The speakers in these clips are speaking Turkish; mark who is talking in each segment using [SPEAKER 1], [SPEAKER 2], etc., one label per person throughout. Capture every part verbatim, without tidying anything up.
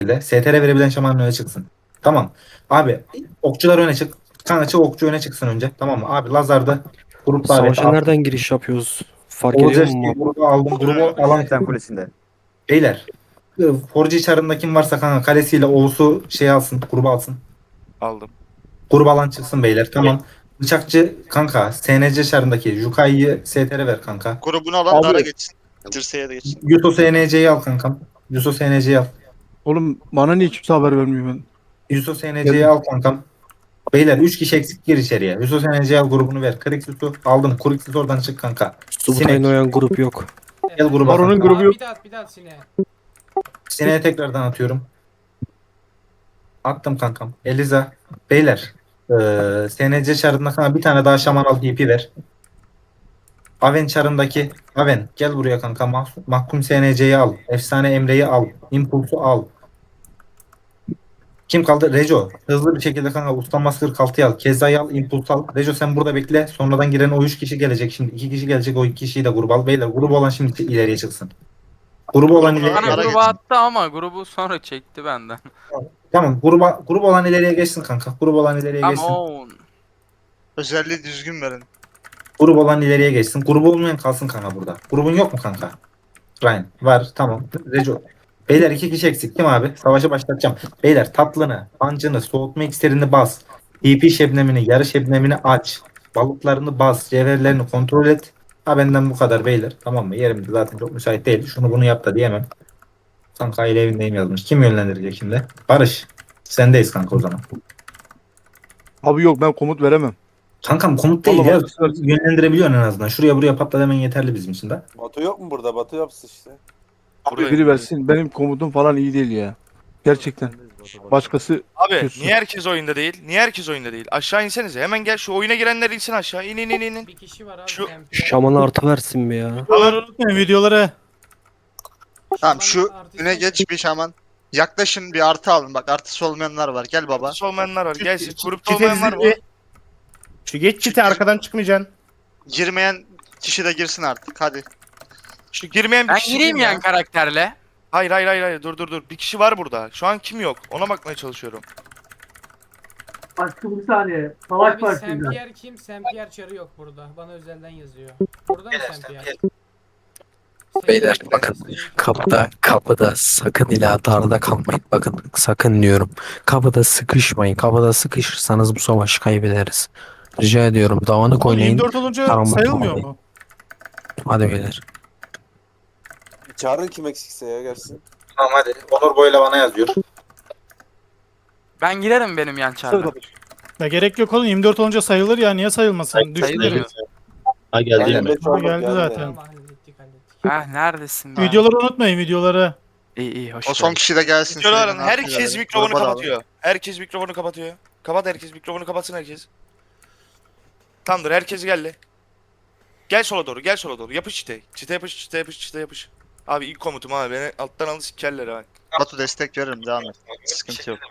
[SPEAKER 1] S T R verebilen şamanın öne çıksın. Tamam. Abi okçular öne çık. Kanka çık okçu öne çıksın önce. Tamam mı? Abi Lazar'da grup daveti
[SPEAKER 2] Savaşa
[SPEAKER 1] attım.
[SPEAKER 2] nereden giriş yapıyoruz? Fark ediyor
[SPEAKER 1] Olacak
[SPEAKER 2] musun?
[SPEAKER 1] diye grubu aldım. Grubu alan
[SPEAKER 3] Sen kulesinde.
[SPEAKER 1] beyler. Forge çarında kim varsa kanka kalesiyle Oğuz'u şey alsın. Grubu alsın.
[SPEAKER 4] Aldım.
[SPEAKER 1] Grup alan çıksın beyler. Tamam. Bıçakçı kanka S N C çarındaki Jukai'yi S T R ver kanka.
[SPEAKER 5] Grubunu alan
[SPEAKER 3] Abi-
[SPEAKER 5] Dara geçsin. Dirseğe de geçsin.
[SPEAKER 1] Yuto S N C'yi al kankam. Yuto S N C'yi al.
[SPEAKER 6] Oğlum bana niye kimse haber vermiyor ben?
[SPEAKER 1] Yuto S N C'yi al kankam. Beyler üç kişi eksik gir içeriye. Yuto S N C'yi al grubunu ver. Krixus'u aldım. Krixus oradan çık kanka.
[SPEAKER 2] Subutay'ın
[SPEAKER 1] Sinek.
[SPEAKER 2] oyan grup yok.
[SPEAKER 1] Gel gruba
[SPEAKER 6] Baron'un
[SPEAKER 1] kanka.
[SPEAKER 6] grubu yok.
[SPEAKER 7] Bir daha at bir daha at Sine'ye.
[SPEAKER 1] Sineğe tekrardan atıyorum. Attım kankam. Eliza. Beyler. Eee S N C çarında kanka bir tane daha şaman al D P ver. Aven çarındaki Aven gel buraya kanka. Mah Mahkum S N C'yi al. Efsane Emre'yi al. Impuls'u al. Kim kaldı? Rejo. Hızlı bir şekilde kanka Usta Masker kaltıyı al. Keza'yı al. Impuls al. Rejo sen burada bekle. Sonradan giren o üç kişi gelecek. Şimdi iki kişi gelecek. O iki kişiyi de gruba al. Beyler grubu olan şimdi ileriye çıksın. Grubu olan
[SPEAKER 5] Grubunu
[SPEAKER 1] ileriye
[SPEAKER 5] alan Dara
[SPEAKER 8] Bana
[SPEAKER 1] geçsin.
[SPEAKER 8] gruba
[SPEAKER 5] geçsin.
[SPEAKER 8] attı ama grubu sonra çekti benden.
[SPEAKER 1] Tamam. Gruba, grubu olan ileriye geçsin kanka. Grubu olan ileriye geçsin.
[SPEAKER 8] Ama
[SPEAKER 5] Özelliği düzgün verin.
[SPEAKER 1] Grup olan ileriye geçsin. Grubu olmayan kalsın kanka burada. Grubun yok mu kanka? Ryan. Var. Tamam. Rejo. Beyler iki kişi eksik. Kim abi? Savaşı başlatacağım. Beyler tatlını, pancını, soğutma iksirini bas. D P şebnemini, yarı şebnemini aç. Balıklarını bas. Cevherlerini kontrol et. Ha benden bu kadar beyler. Tamam mı? Yerim de zaten çok müsait değil. Şunu bunu yap da diyemem. Kanka aile evindeyim yazmış. Kim yönlendirecek şimdi? Barış. Sendeyiz kanka o zaman.
[SPEAKER 6] Abi yok ben komut veremem.
[SPEAKER 1] Kankam komut değil
[SPEAKER 6] Vallahi
[SPEAKER 1] ya.
[SPEAKER 6] başkası versin.
[SPEAKER 1] Yönlendirebiliyorsun en azından. Şuraya buraya patla demen yeterli bizim için de.
[SPEAKER 3] Batu yok mu burada? Batu yapsın işte.
[SPEAKER 6] Abi
[SPEAKER 4] Buradayım.
[SPEAKER 6] biri versin. Benim komutum falan iyi değil ya. Gerçekten. Başkası
[SPEAKER 4] Abi
[SPEAKER 6] Kötüsün.
[SPEAKER 4] niye herkes oyunda değil? Niye herkes oyunda değil? Aşağı insenize. Hemen gel şu oyuna girenler insin aşağı. İn in in in. in.
[SPEAKER 7] Bir kişi var abi.
[SPEAKER 4] Şu-
[SPEAKER 7] M P.
[SPEAKER 2] Şamana artı versin mi ya?
[SPEAKER 6] unutmayın videoları.
[SPEAKER 5] Tamam şu
[SPEAKER 7] Artı
[SPEAKER 5] öne
[SPEAKER 7] sen-
[SPEAKER 5] geç bir şaman. Yaklaşın bir artı alın. Bak artısı olmayanlar var. Gel baba.
[SPEAKER 4] Artısı olmayanlar var. Gelsin. Grupta
[SPEAKER 9] Çite
[SPEAKER 4] olmayanlar var.
[SPEAKER 9] zilli. Şu geç çite arkadan çıkmayacaksın.
[SPEAKER 5] Girmeyen kişi de girsin artık. Hadi.
[SPEAKER 4] Şu girmeyen bir
[SPEAKER 8] ben
[SPEAKER 4] kişi
[SPEAKER 8] gireyim
[SPEAKER 4] kim ya?
[SPEAKER 8] yani karakterle.
[SPEAKER 4] Hayır hayır hayır hayır dur dur dur. Bir kişi var burada. Şu an kim yok? Ona bakmaya çalışıyorum.
[SPEAKER 10] Aşkım bir saniye. Savaş
[SPEAKER 7] Abi
[SPEAKER 10] başlayacak.
[SPEAKER 7] Saint Pierre kim? Saint Pierre çarı yok burada. Bana özelden yazıyor. Burada mı Saint Pierre?
[SPEAKER 2] Beyler,
[SPEAKER 7] Saint
[SPEAKER 2] bakın.
[SPEAKER 7] Pierre.
[SPEAKER 2] Kapıda, kapıda sakın ila darda kalmayın. Bakın sakın diyorum. Kapıda sıkışmayın. Kapıda sıkışırsanız bu savaşı kaybederiz. Rica ediyorum. Dağınık oynayın.
[SPEAKER 9] yirmi dört olunca
[SPEAKER 2] Karambol
[SPEAKER 9] sayılmıyor
[SPEAKER 2] olmayın.
[SPEAKER 9] mu?
[SPEAKER 2] Hadi beyler.
[SPEAKER 3] Çağırın kim eksikse ya gelsin.
[SPEAKER 1] Tamam hadi. Onur Boyla bana yazıyor.
[SPEAKER 8] Ben girerim benim yan çarla.
[SPEAKER 9] Ya gerek yok oğlum yirmi dört olunca sayılır ya niye sayılmasın?
[SPEAKER 8] Sayılır mı?
[SPEAKER 11] Ha geldi
[SPEAKER 3] Aynen,
[SPEAKER 11] yine.
[SPEAKER 3] beş
[SPEAKER 9] Ha,
[SPEAKER 3] oldu,
[SPEAKER 9] geldi zaten.
[SPEAKER 7] Tamam hallettik hallettik.
[SPEAKER 8] Ah neredesin be?
[SPEAKER 9] Videoları unutmayın videoları.
[SPEAKER 8] İyi iyi hoş
[SPEAKER 5] O son
[SPEAKER 8] geldin.
[SPEAKER 5] kişi de gelsin.
[SPEAKER 4] Videoların
[SPEAKER 5] Şöyle
[SPEAKER 4] herkes
[SPEAKER 5] artı
[SPEAKER 4] mikrofonu
[SPEAKER 5] verelim. Gruba da alın.
[SPEAKER 4] kapatıyor. Herkes mikrofonu kapatıyor. Kapat herkes mikrofonu kapatsın herkes. Tamamdır herkes geldi. Gel sola doğru gel sola doğru. Yapış çite. Çite yapış çite yapış çite yapış. Abi ilk komutum abi beni alttan alın sikerler abi.
[SPEAKER 5] Batu destek veririm. Devam et. Sıkıntı yok.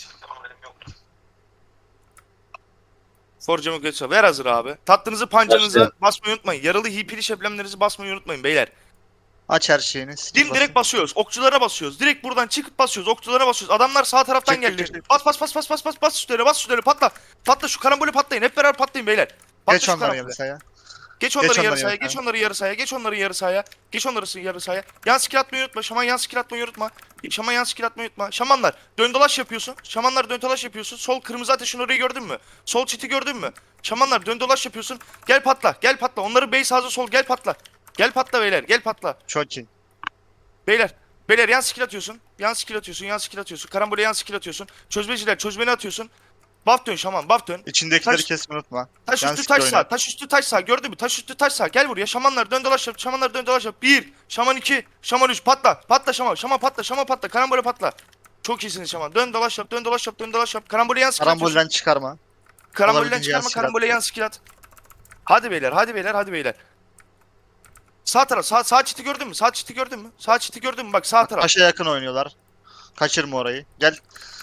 [SPEAKER 4] Forcamı götür. Ver hazır abi. Tatlınızı pancanızı basmayı unutmayın. Yaralı hipili şeblemlerinizi basmayı unutmayın beyler.
[SPEAKER 5] Aç her şeyini. skill
[SPEAKER 4] Dim
[SPEAKER 5] basın.
[SPEAKER 4] direkt basıyoruz. Okçulara basıyoruz. Direkt buradan çıkıp basıyoruz. Okçulara basıyoruz. Adamlar sağ taraftan
[SPEAKER 5] Çek, çek,
[SPEAKER 4] geldi.
[SPEAKER 5] çek, çek.
[SPEAKER 4] Bas bas bas bas bas bas bas üstlerine bas üstlerine patla. Patla şu karambolü patlayın. Hep beraber patlayın beyler. Patla
[SPEAKER 5] Geç
[SPEAKER 4] şu
[SPEAKER 5] onları
[SPEAKER 4] karambole.
[SPEAKER 5] yarı saya.
[SPEAKER 4] Geç onları
[SPEAKER 5] Geç
[SPEAKER 4] yarı
[SPEAKER 5] onları
[SPEAKER 4] sahaya.
[SPEAKER 5] yarı
[SPEAKER 4] Geç
[SPEAKER 5] sahaya.
[SPEAKER 4] onları yarı sahaya. Geç onları yarı sahaya. Geç onları yarı sahaya. Yan skill atmayı unutma. Şaman yan skill atmayı unutma. Şaman yan skill atmayı unutma. Şamanlar dön dolaş yapıyorsun. Şamanlar dön dolaş yapıyorsun. Sol kırmızı ateşin orayı gördün mü? Sol çiti gördün mü? Şamanlar dön dolaş yapıyorsun. Gel patla. Gel patla. Onları base hazır sol gel patla. Gel patla beyler. Gel patla.
[SPEAKER 5] Çok iyi.
[SPEAKER 4] Beyler. Beyler yan skill atıyorsun. Yan skill atıyorsun. Yan skill atıyorsun. Karambole yan skill atıyorsun. Çözmeciler çözmeni atıyorsun. Buff dön şaman buff dön.
[SPEAKER 5] İçindekileri
[SPEAKER 4] Taş-
[SPEAKER 5] kesmeyi unutma.
[SPEAKER 4] Taş
[SPEAKER 5] Yan
[SPEAKER 4] üstü
[SPEAKER 5] skill
[SPEAKER 4] taş
[SPEAKER 5] oyna.
[SPEAKER 4] sağ. Taş üstü taş sağ. Gördün mü? Taş üstü taş sağ. Gel buraya. Şamanlar dön dolaş yap. Şamanlar dön dolaş yap. Bir. Şaman iki. Şaman üç. Patla. Patla şaman. Şaman patla. Şaman patla. Karambole patla. Çok iyisiniz şaman. Dön dolaş yap. Dön dolaş yap. Dön dolaş yap. Karambole yan skill atıyorsun.
[SPEAKER 5] Karambolden çıkarma.
[SPEAKER 4] Karambolden
[SPEAKER 5] olabildiğince yan
[SPEAKER 4] çıkarma.
[SPEAKER 5] skill at.
[SPEAKER 4] Karambole yan skill at. Hadi beyler. Hadi beyler. Hadi beyler. Sağ taraf. Sağ, sağ çiti gördün mü? Sağ çiti gördün mü? Sağ çiti gördün mü? Bak sağ taraf.
[SPEAKER 5] Taşa yakın oynuyorlar. Kaçırma orayı. Gel.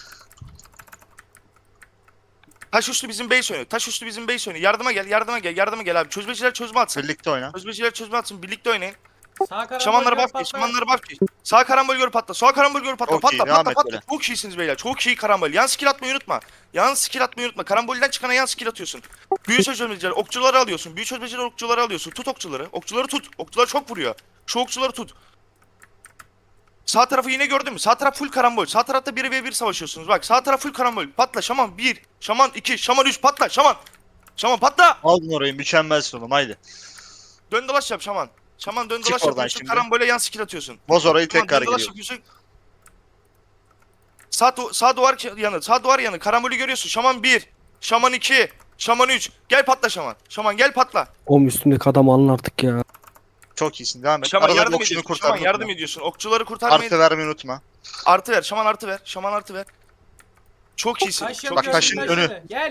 [SPEAKER 4] Taş üstü bizim base oynuyor. Taş üstü bizim base oynuyor. Yardıma gel. Yardıma gel. Yardıma gel abi. Çözmeciler çözme atsın.
[SPEAKER 5] Birlikte oyna.
[SPEAKER 4] Çözmeciler çözme atsın. Birlikte oynayın.
[SPEAKER 7] Sağ karambol
[SPEAKER 4] Şamanlara
[SPEAKER 7] gör,
[SPEAKER 4] bak
[SPEAKER 7] patla.
[SPEAKER 4] geç. Şamanlara bak geç. Sağ karambol gör patla. Sağ karambol gör patla.
[SPEAKER 5] Çok
[SPEAKER 4] Patla
[SPEAKER 5] iyi,
[SPEAKER 4] patla
[SPEAKER 5] devam et
[SPEAKER 4] patla.
[SPEAKER 5] böyle.
[SPEAKER 4] Çok iyisiniz beyler. Çok iyi karambol. Yan skill atmayı unutma. Yan skill atmayı unutma. Karambolden çıkana yan skill atıyorsun. Büyü çözmeciler. Okçuları alıyorsun. Büyü çözmeciler okçuları alıyorsun. Tut okçuları. Okçuları tut. Okçular çok vuruyor. Şu okçuları tut. Sağ tarafı yine gördün mü? Sağ taraf full karambol. Sağ tarafta bir ve bir savaşıyorsunuz. Bak sağ taraf full karambol. Patla şaman bir. Şaman iki. Şaman üç. Patla şaman. Şaman patla.
[SPEAKER 5] Aldın orayı mükemmelsin oğlum haydi.
[SPEAKER 4] Dön dolaş yap şaman. Şaman dön
[SPEAKER 5] Çık
[SPEAKER 4] dolaş
[SPEAKER 5] oradan
[SPEAKER 4] yapıyorsun.
[SPEAKER 5] şimdi.
[SPEAKER 4] Karambole yan skill atıyorsun.
[SPEAKER 5] Boz orayı
[SPEAKER 4] Şaman
[SPEAKER 5] tekrar
[SPEAKER 4] dön dolaş
[SPEAKER 5] geliyor.
[SPEAKER 4] yapıyorsun. Sağ, du- sağ duvar yanı. Sağ duvar yanı. Karambolü görüyorsun. Şaman bir. Şaman iki. Şaman üç. Gel patla şaman. Şaman gel patla.
[SPEAKER 2] Oğlum üstümdeki adam alın artık ya.
[SPEAKER 5] Çok iyisin devam et.
[SPEAKER 4] Şaman
[SPEAKER 5] Arada
[SPEAKER 4] yardım
[SPEAKER 5] okçunu
[SPEAKER 4] ediyorsun.
[SPEAKER 5] kurtar.
[SPEAKER 4] Şaman yardım
[SPEAKER 5] unutma.
[SPEAKER 4] ediyorsun. Okçuları kurtarmayı
[SPEAKER 5] Artı vermeyi unutma.
[SPEAKER 4] Artı ver. Şaman artı ver. Şaman artı ver. Çok iyisin.
[SPEAKER 7] Taş
[SPEAKER 4] Çok
[SPEAKER 7] yanı
[SPEAKER 5] Bak,
[SPEAKER 7] gör,
[SPEAKER 5] taşın
[SPEAKER 7] taş
[SPEAKER 5] önü.
[SPEAKER 7] yanı. Gel.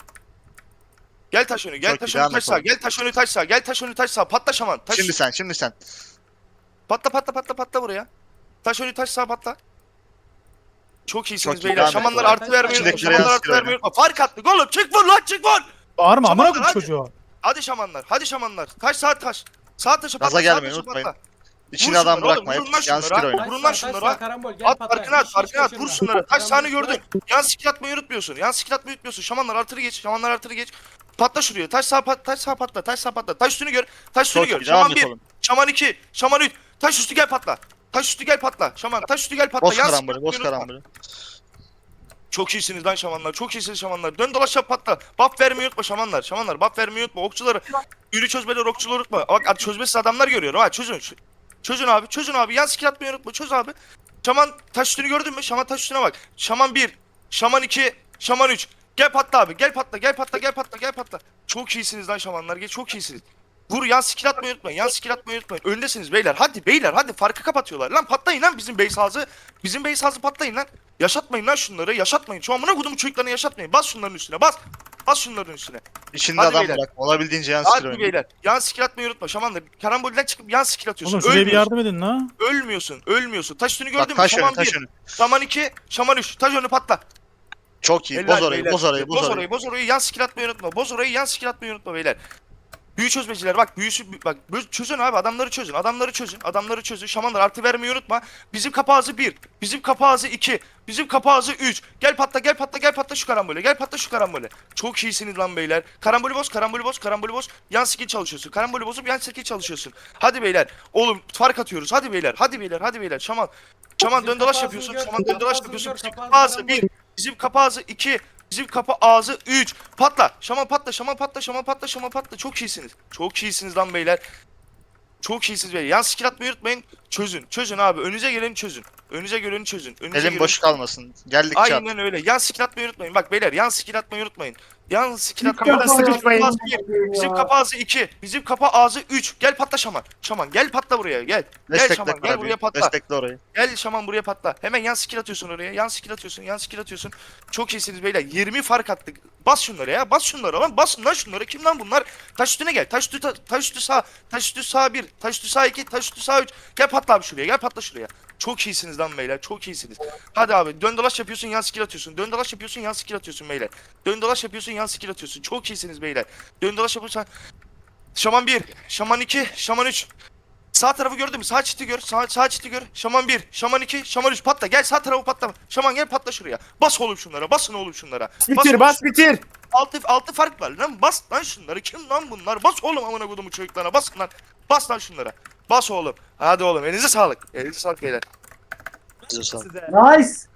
[SPEAKER 4] Gel taş önü. Gel
[SPEAKER 5] Çok
[SPEAKER 4] taş
[SPEAKER 5] iyi,
[SPEAKER 4] önü
[SPEAKER 5] devam
[SPEAKER 4] taş
[SPEAKER 5] et
[SPEAKER 4] sağ.
[SPEAKER 5] oğlum.
[SPEAKER 4] Gel taş önü taş sağ. Gel taş önü taş sağ. Patla şaman. Taş.
[SPEAKER 5] Şimdi sen şimdi sen.
[SPEAKER 4] Patla patla patla patla buraya. Taş önü taş sağ patla. Çok iyisiniz
[SPEAKER 5] Çok iyi,
[SPEAKER 4] beyler.
[SPEAKER 5] devam et
[SPEAKER 4] Şamanlar
[SPEAKER 5] oğlum.
[SPEAKER 4] artı vermeyi unutma.
[SPEAKER 5] İçindekilere
[SPEAKER 4] Şamanlar artı
[SPEAKER 5] yansıtıyor
[SPEAKER 4] vermeyi unutma. Fark attık oğlum. Çık vur lan çık vur.
[SPEAKER 9] Bağırma amına
[SPEAKER 4] Şamanlar,
[SPEAKER 9] koyayım
[SPEAKER 4] hadi.
[SPEAKER 9] çocuğu.
[SPEAKER 4] Hadi şamanlar. Hadi şamanlar. Taş sağ taş. Sağ taşı patla.
[SPEAKER 5] Gaza
[SPEAKER 4] sağ
[SPEAKER 5] gelmeyin,
[SPEAKER 4] taşı
[SPEAKER 5] unutmayın.
[SPEAKER 4] patla.
[SPEAKER 5] İçine
[SPEAKER 4] Vur
[SPEAKER 5] adam
[SPEAKER 4] şunları
[SPEAKER 5] bırakma.
[SPEAKER 4] oğlum,
[SPEAKER 5] Hep
[SPEAKER 4] vurun lan
[SPEAKER 5] yansıtır
[SPEAKER 4] şunlara.
[SPEAKER 5] oyunu.
[SPEAKER 7] Taş
[SPEAKER 4] Vurun
[SPEAKER 7] sağ,
[SPEAKER 4] lan
[SPEAKER 7] taş
[SPEAKER 4] şunlara.
[SPEAKER 7] sağ, karambol. Gel
[SPEAKER 4] At
[SPEAKER 7] patla.
[SPEAKER 4] farkını at
[SPEAKER 7] Hiç-
[SPEAKER 4] farkını
[SPEAKER 7] hiç
[SPEAKER 4] at. Vur
[SPEAKER 7] kaçırma.
[SPEAKER 4] şunları. Taş sahne
[SPEAKER 7] Karambol,
[SPEAKER 4] gördün. Yan skill atmayı unutmuyorsun. Yan skill atmayı unutmuyorsun. Şamanlar artırı geç. Şamanlar artırı geç. Patla şuraya. Taş sağ pat, taş sağ patla. Taş sağ patla. Taş üstünü gör. Taş üstünü
[SPEAKER 5] Çok
[SPEAKER 4] gör.
[SPEAKER 5] iyi devam
[SPEAKER 4] Şaman
[SPEAKER 5] et
[SPEAKER 4] bir.
[SPEAKER 5] oğlum.
[SPEAKER 4] Şaman iki. Şaman üç. Taş üstü gel patla. Taş üstü gel patla. Şaman taş üstü gel patla.
[SPEAKER 5] Boz
[SPEAKER 4] Yan skill
[SPEAKER 5] karambolü boz
[SPEAKER 4] atmayı unutma.
[SPEAKER 5] karambolü.
[SPEAKER 4] Çok iyisiniz lan şamanlar. Çok iyisiniz şamanlar. Dön dolaş yap patla. Buff vermeyi unutma şamanlar. Şamanlar buff vermeyi unutma. Okçuları. Yürü çözmeleri okçuları unutma. Bak abi çözmesiz adamlar görüyorum ha. Çözün. Ç- Çözün abi. Çözün abi. Yan skill atmayı unutma. Çöz abi. Şaman taş üstünü gördün mü? Şaman taş üstüne bak. Şaman bir. Şaman iki. Şaman üç. Gel patla abi. Gel patla. Gel patla. Gel patla. Gel patla. Çok iyisiniz lan şamanlar. Gel çok iyisiniz. Vur yan skill atmayı unutmayın. Yan skill atmayı unutmayın. Öndesiniz beyler. Hadi beyler hadi farkı kapatıyorlar. Lan patlayın lan bizim base house'ı. Bizim base house'ı patlayın lan. Yaşatmayın lan şunları. Yaşatmayın. Şu amına kodumu çocuklarını yaşatmayın. Bas şunların üstüne. Bas. Bas şunların üstüne.
[SPEAKER 5] İçinde
[SPEAKER 4] Hadi
[SPEAKER 5] adam
[SPEAKER 4] beyler.
[SPEAKER 5] bırak. Olabildiğince yansıtır
[SPEAKER 4] Hadi
[SPEAKER 5] oyunu.
[SPEAKER 4] beyler. Yan skill atmayı unutma. Şamanlar. Karambolden çıkıp yan skill atıyorsun.
[SPEAKER 9] Oğlum şuraya bir
[SPEAKER 4] Ölmüyorsun.
[SPEAKER 9] yardım edin la.
[SPEAKER 4] Ölmüyorsun. Ölmüyorsun. Taş üstünü gördün
[SPEAKER 5] Bak
[SPEAKER 4] mü?
[SPEAKER 5] taş önü
[SPEAKER 4] Şaman
[SPEAKER 5] taş
[SPEAKER 4] bir.
[SPEAKER 5] önü.
[SPEAKER 4] Şaman iki. Şaman üç. Taş önü patla.
[SPEAKER 5] Çok iyi.
[SPEAKER 4] Helal
[SPEAKER 5] Boz orayı
[SPEAKER 4] beyler.
[SPEAKER 5] boz orayı boz
[SPEAKER 4] Boz
[SPEAKER 5] orayı.
[SPEAKER 4] orayı. Boz orayı. Yan skill atmayı unutma. Boz orayı. Yan skill atmayı unutma beyler. Büyü çözmeciler bak büyüsü bak bö- çözün abi adamları çözün adamları çözün adamları çözün şamanlar artı vermeyi unutma bizim kapağızı bir bizim kapağızı iki bizim kapağızı üç gel patla gel patla gel patla şu karambole gel patla şu karambole çok iyisiniz lan beyler karambolü boz karambolü boz karambolü boz yan skill çalışıyorsun karambolü bozup yan skill çalışıyorsun hadi beyler oğlum fark atıyoruz hadi beyler hadi beyler hadi beyler şaman şaman
[SPEAKER 7] Bizim
[SPEAKER 4] dön dolaş
[SPEAKER 7] kapağızı
[SPEAKER 4] yapıyorsun
[SPEAKER 7] gör,
[SPEAKER 4] şaman dön dolaş
[SPEAKER 7] kapağızı
[SPEAKER 4] yapıyorsun
[SPEAKER 7] gör,
[SPEAKER 4] bizim
[SPEAKER 7] kapağızı
[SPEAKER 4] kapağızı
[SPEAKER 7] karambol.
[SPEAKER 4] bir bizim kapağızı iki Bizim kapı ağzı üç. Patla. Şaman patla. Şaman patla. Şaman patla. Şaman patla. Çok iyisiniz. Çok iyisiniz lan beyler. Çok iyisiniz beyler. Yan skill atmayı unutmayın. Çözün. Çözün abi. Önünüze geleni çözün. Önünüze geleni çözün. Önünüze
[SPEAKER 5] Elim
[SPEAKER 4] geleni-
[SPEAKER 5] boş kalmasın. Geldik çat.
[SPEAKER 4] Aynen öyle. Yan skill atmayı unutmayın. Bak beyler yan skill atmayı unutmayın. Yan skill atmayı
[SPEAKER 9] Kapağda
[SPEAKER 4] unutmayın.
[SPEAKER 9] sıkışmayın.
[SPEAKER 4] Bizim kapı ağzı bir. Bizim kapı ağzı iki. Bizim kapı ağzı üç. Gel patla Şaman. Şaman gel patla buraya. Gel. Gel
[SPEAKER 5] Destekle
[SPEAKER 4] Şaman. Gel
[SPEAKER 5] Karabi.
[SPEAKER 4] buraya patla.
[SPEAKER 5] Destekle orayı.
[SPEAKER 4] Gel Şaman buraya patla. Hemen yan skill atıyorsun oraya. Yan skill atıyorsun. Yan skill atıyorsun. Çok iyisiniz beyler. yirmi fark attık. Bas şunları ya. Bas şunları lan. Basın lan şunları. Kim lan bunlar? Taş üstüne gel. Taş üstü, ta- taş üstü sağ. Taş üstü sağ bir. Taş üstü sağ iki. Taş üstü sağ üç. Gel patla abi şuraya. Gel patla şuraya. Çok iyisiniz lan beyler. Çok iyisiniz. Hadi abi. Dön dolaş yapıyorsun. Yan skill atıyorsun. Dön dolaş yapıyorsun. Yan skill atıyorsun beyler. Dön dolaş yapıyorsun. Yan skill atıyorsun. Çok iyisiniz beyler. Dön dolaş yapıyorsun. Şaman bir. Şaman iki. Şaman üç. Sağ tarafı gördün mü? Sağ çiti gör. Sağ, sağ çiti gör. Şaman bir. Şaman iki. Şaman üç. Patla. Gel sağ tarafı patla. Şaman gel patla şuraya. Bas oğlum şunlara. Basın oğlum şunlara.
[SPEAKER 6] Bitir
[SPEAKER 4] oğlum
[SPEAKER 6] bas bitir.
[SPEAKER 4] Altı, altı fark var lan. Bas lan şunları. Kim lan bunlar? Bas oğlum amına kodumu çocuklarına. Bas lan. Bas lan şunlara. Bas oğlum. Hadi oğlum. Elinize sağlık. Elinize sağlık beyler.
[SPEAKER 5] Size sağ ol.
[SPEAKER 10] Nice.